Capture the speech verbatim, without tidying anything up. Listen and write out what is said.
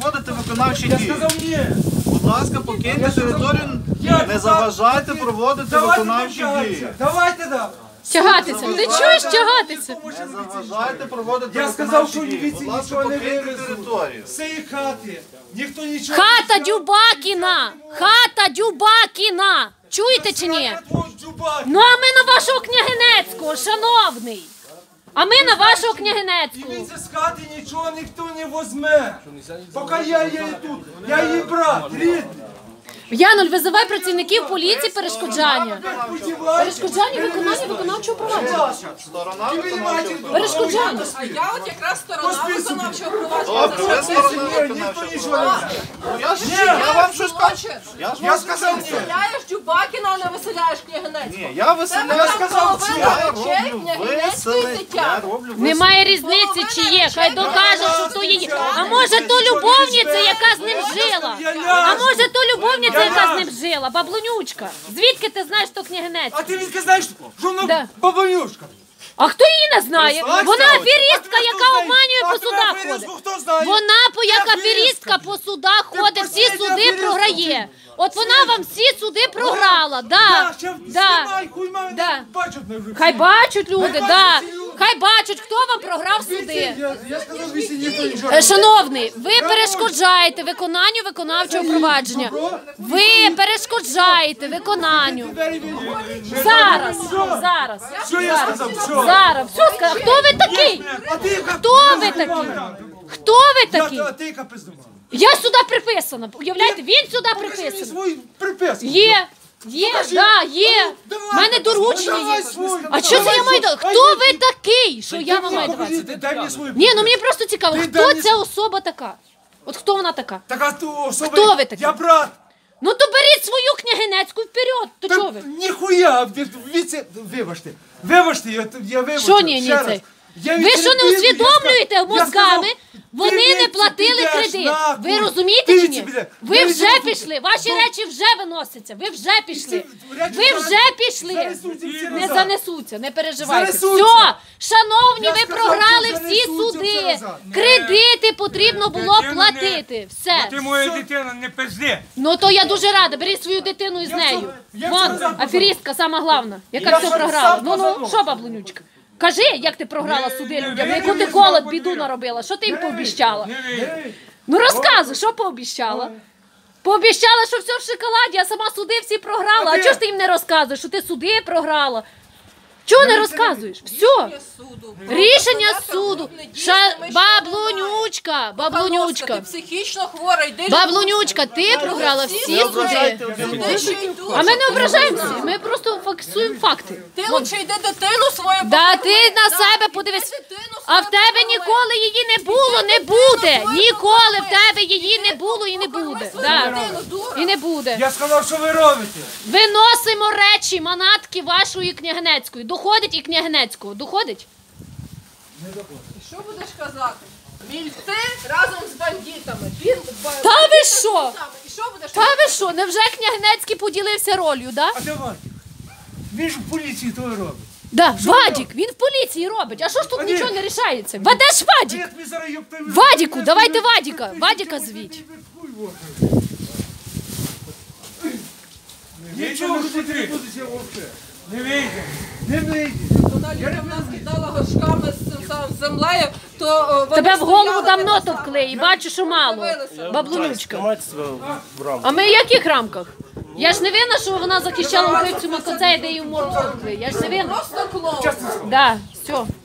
проводити виконавчі Я дії. сказав ні. Будь ласка, покиньте територію, не заважайте проводити виконавчі дії. Давайте, да. Тягатися. Ти чуєш тягатися? Не заважайте проводити Я сказав, виконавчі що дії. віці Будь ласка, нічого не покиньте вивезуть. територію. З цієї хати. Ніхто нічого Хата не Дюбакіна! Хата Дюбакіна! Чуєте чи ні? взяв. Ну а ми на вашого княгинецького, шановний! А ми на вашого княгинецького. Дивіться, з хати нічого ніхто не возьме. Поки я є тут. Я її брат, рідний. Януль, визивай працівників поліції перешкоджання. Перешкоджання виконання виконавчого провадження. Сторона виконавчого провадження. Перешкоджання. А я от якраз сторона виконавчого Добре, провадження. ви сторона Ніхто виконавчого нічого не провадження. взяв. Ну, Я ж я вам щось кажу. Я ж Я вам сказав ні. Виселяєш Дюбакіна, а не виселяєш Княгинецького. Ні, я виселяю. Я сказав, що Я речей роблю Княгинецької виселення. Я дитя. роблю виселення. Немає різниці, чи є. Хай докаже, що то її. А може то любовниця, яка з ним жила? А може то любовниця, яка з ним жила? Баблонючка. Звідки ти знаєш, що княгинець? А ти відки знаєш, що Да. вона бабанюшка? А хто її не знає? Вона аферістка, яка обманює по судах ходить. Хто знає? Вона по як Я аферістка по судах ходить, всі последня суди аферістка. програє. От вона вам всі суди програла, да, да. Да. Хай бачать люди, да. Хай бачать, хто вам програв суди. Я сказав, вісі ніхто нічого. Е, Шановний, ви перешкоджаєте виконанню виконавчого провадження. Ви перешкоджаєте виконанню. Зараз, зараз, Що я сказав? Що? зараз. Все сказав. Хто ви такий? А ти яка Хто ви такий? Хто ви такий? Я, а ти яка пиздома? Я сюди приписана. Уявляєте, він сюди Покажи мені приписаний. свою приписку. Є, є, да, є. У мене доручення Давай є. свою. А що це я маю давати? Хто ви такий? Що я вам маю Покажи, давати? ти дай мені свою Ні, ну мені просто цікаво, Ти хто дай мені ця особа така? От хто вона така? Так, а ту особу... Хто ви такий? Я брат. Ну то беріть свою княгинецьку вперед. То Та чого ви? Ніхуя, ви- віце... Вибачте. Вибачте, я, я вибачте. Що ні, ні, ще раз. це? Я Ви що не відтерпів, усвідомлюєте я сказав- мозгами? я Вони сказав, не ти платили підеш кредит. нахуй. Ви розумієте Ти чи ні? підеш. Ви Я вже відтерпів. пішли, ваші Ну, речі вже виносяться. Ви вже пішли. речі Ви зараз- вже пішли. занесуться всі Не назад. занесуться, не переживайте. Занесуться. Все, шановні, Я ви сказав, програли що всі занесуться суди. все назад. Кредити потрібно було Дитину не- платити. Все. Ти моя дитина, не пизди. Ну то я дуже рада. Беріть свою дитину із Я нею. все- я Вон, все сам аферістка, сама головна, яка Я все сам програла. сам Ну ну, позадумав. що, баблонючка? Кажи, як ти програла Не- суди не людям, вийди, яку ти не колод вийди. біду наробила. Що ти їм пообіщала? Не вийди. Ну розказуй, що пообіщала? Пообіщала, що все в шоколаді, а сама суди всі програла. А ти- чого ж ти їм не розказуєш, що ти суди програла? Чого не розказуєш? Все. Суду. Рішення Розглядати суду. групне дійство Ша... ми ще Баблонючка, Ти баблонючка. психічно хвора, йди. Баблонючка, ти програла всі суди. Суди ще йдуть. А ми не ображаємося, ми просто фіксуємо факти. Ти лучше йди дитину свою. Да покажи. ти на Да, себе іди подивись. дитину А свою в тебе покажи. ніколи її не було, не буде. Ніколи в тебе її не було і не буде. Да. І не буде. Я сказав, що ви робите. Виносимо речі, манатки вашої княгинецької. Доходить і княгинецького. Доходить? Що будеш казати? Мільти разом з бандитами. Він Та ви що? І що будеш Та ви що? Невже княгинецький поділився ролью, да? А де Вадик? Він ж в поліції то і робить. Да, Вадік, він в поліції робить. А що ж тут А ні. нічого не рішається? Ведеш А Вадік? як ми зараз його приймемо? Вадіку, давайте Вадіка. Вадіка звіть. Нічого не не смотри. буде взагалі. Не вийде. Не вийде. Вона Люда в нас кидала горшками з цим самим землею, то о, вони Тебе в голову стояли, давно не товкли і бачу, що мало. дивилися. Баблонючка. Тримайте себе в рамках. А ми в яких рамках? Я ж не винна, що вона захищала вбивцю Макоцея, де її в морду товкли. Я ж не винна. Просто клоун. Да, все.